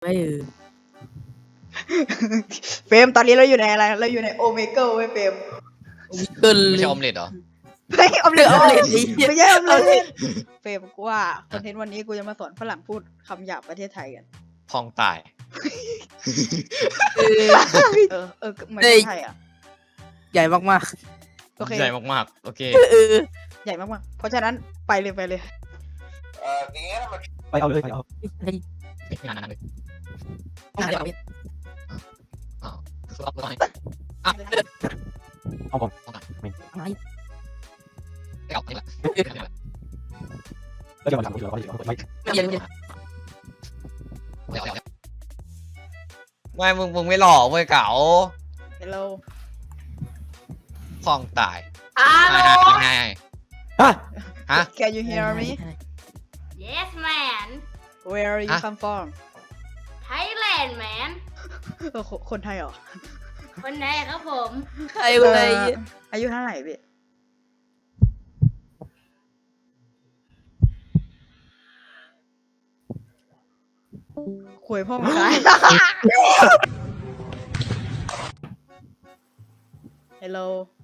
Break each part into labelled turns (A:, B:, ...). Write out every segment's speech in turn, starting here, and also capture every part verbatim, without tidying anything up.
A: ไม่เออ
B: เฟรมตอนนี้เราอยู่ในอะไรเราอยู่ในโอเมก้าเว้ยเฟรม
A: เกิน
C: ไม่
A: เลย
C: ใช่ออมเล็ตเหรอ
B: ไม่ออมเล็ต
A: ออมเล็ตดิ
B: ไม่ใช่ออมเล็ตเฟรมกูว่าคอนเทนต์วันนี้กูจะมาสอนฝรั่งพูดคำหยาบประเทศไทยกัน
C: พองตาย
A: เออ
B: เออเออเหมือนคนไทยอ่ะ
A: ใหญ่มาก
B: โอเค
C: ใหญ่มากๆ โอเค
A: ๆเออ
B: ใหญ่มากๆเพราะฉะนั้นไปเลยไปเลย
D: ไปเอาเลยไปเอา
A: เฮ้ย
C: งานนั้นเลย
A: เอาเดี๋ยวเอาเดี๋ยว
C: อ้าวคือเอาไปอ่ะ
D: เอาก่อน
A: อะไร
C: ไม่เอานี่แหละ
D: แล้วเดี๋ยวมาทำทีเราก็เดี๋ยวไม่
A: ไม่เย็นไม่เย็น
C: ไม่เอาไม่มึงมึงไม่หล่อเว้ยเก๋า
B: Hello
C: พองตาย
E: ฮัลโหล
C: ไงไง
D: ฮะ
C: ฮะ
B: Can you hear me
E: yes man
B: Where you
C: ฮะ
B: come from
E: Thailand man
B: เออคนคนไทยเหรอ
E: คนไหนครับผม
A: ใครวะไอ้
B: เอ่ออายุเท่าไหร่พี่คุยพ่อมาขาย Hello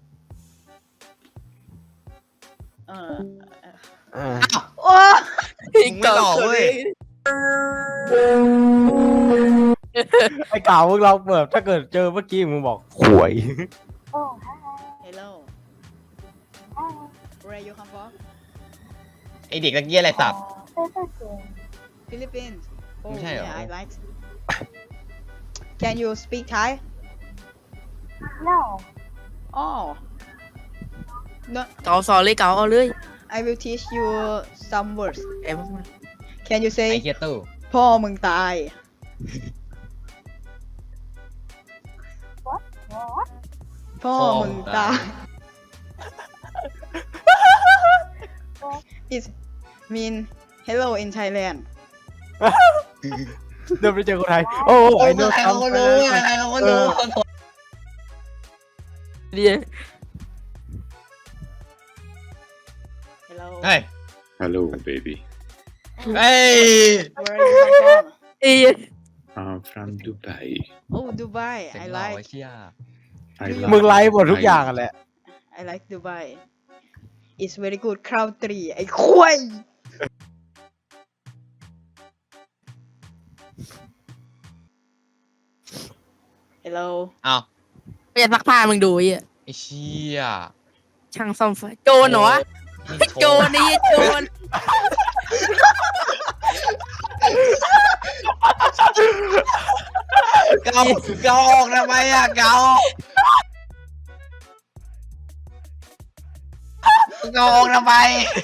B: เออ
D: อ่า
B: โอ้
C: มึงไม่หล่อเว้ย
D: ไอ้เก่ามึงเราเปิดถ้าเกิดเจอเมื่อกี้มึงบอกหวย
B: Hello Where you come from
C: ไอเด็กตะเกียอะไรสับ
B: Philippines Oh
C: ไม่ใช่เหรอ
B: yeah I like Can you speak Thai
E: no
B: Oh No
A: เกาสอนเลยเกาเอาเลย
B: I will teach you some words
A: ไอ้พวก
B: Can you
C: ไอ
B: say
C: เฮียตู้
B: พ่อมึงตาย พ่อมึงตาย It mean hello in Thailand
D: เดินไปเจอคนไทยโอ้ไอ้เนื้อ
C: ใครเขาก็รู้ใครเขาก็รู้
A: เดีย
B: Hello
C: เฮ้ย
F: Hello, baby.
C: เฮ้ย
B: Where you come from
A: เอ้ย
F: I'm from Dubai.
B: Oh Dubai
C: เสีย
B: I
C: งหล่อ
B: like
C: ไอ้เชี่ย
F: I
B: You-
F: love
D: มึงไลฟ์หมดทุกอย่าง
F: Dubai.
D: กันแหละ
B: I like Dubai It's very good country ไอ้ควาย Hello
C: อ้าว
A: ไม่อยากซักผ้ามึงดูไอ้เหี้ย
C: ไอ้เชี่ย
A: ช่างซ่อมไฟโจรเหรอวะ
C: นี่
A: โจรนี่โจร
C: เกาเกาออกทำไมอะเกาเกาออกทำไม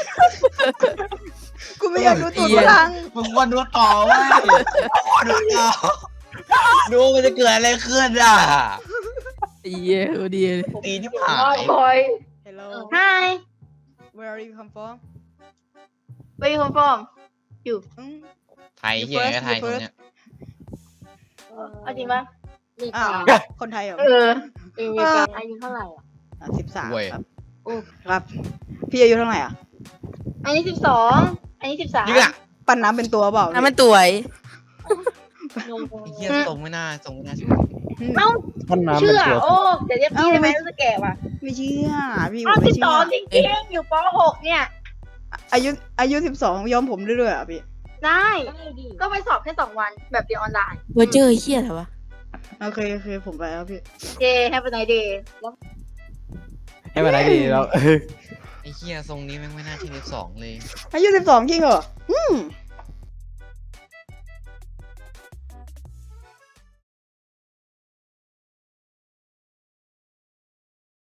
B: กูไม่อยากดูตูดฝรั่ง
C: มึงควรดูต่อเว้ยดูต่อดูมันจะเกิดอะไรขึ้นอ่ะ
A: ไอ้เหี้ยโอ้ดีเลย
C: ตีที่หาย
E: คอย
B: Hello
E: hi
B: Where you come from
E: where you come from
B: อืม
C: ไทยเฮียก็ไทยคนเนี้ย
E: เอาจริงปะ
B: อ้าว คนไทยเหรอ
E: เอออายุอายุเท่าไหร่อ่ะ
B: สิบสาม
C: เว้ย
B: ครับครับ พี่อายุเท่าไหร่อ่ะ
E: อันนี้สิบสองอันนี้สิบสาม
C: ยิ่งอ่ะ
B: ปั้นน้ำเป็นตัวเปล่า
A: น้ำมันตัวไอ้
C: ไอ้เฮียทรงไม่น่าทรงไม่น่าเชื่อ
E: เอ้า
D: ท่านน้ำเป็
E: เชื่
D: น
E: อ
D: ตัว
E: โอ้เดี๋ยวเรียกพี่ได้ไหมรู้สึกแก่ว่ะ
B: ไม่เชื่อพี่ผ
E: อ้าว
B: มไม่
E: สิบ
B: เชื่
E: ส
B: อ
E: องจริงๆอยู่ปหกเนี่ย
B: อายุอายุสิบสองย้อมผมเรื่อยๆอ่ะพี่
E: ได้ ก็ไปสอบแค่สองวันแบบเรียนออนไลน์
A: เวอร์เจอร์ไอ้เหี้ยอะไรวะ
B: โอเคโอเคผมไปแล้วพี่
E: เจแฮปปี้ไนท์เดย์
D: ให้มันไหนดีเรา
C: ไอ้เฮียทรงนี้แม่งไม่น่าที่สิบสองเลย
B: อายุสิบสองจริงเหรออืม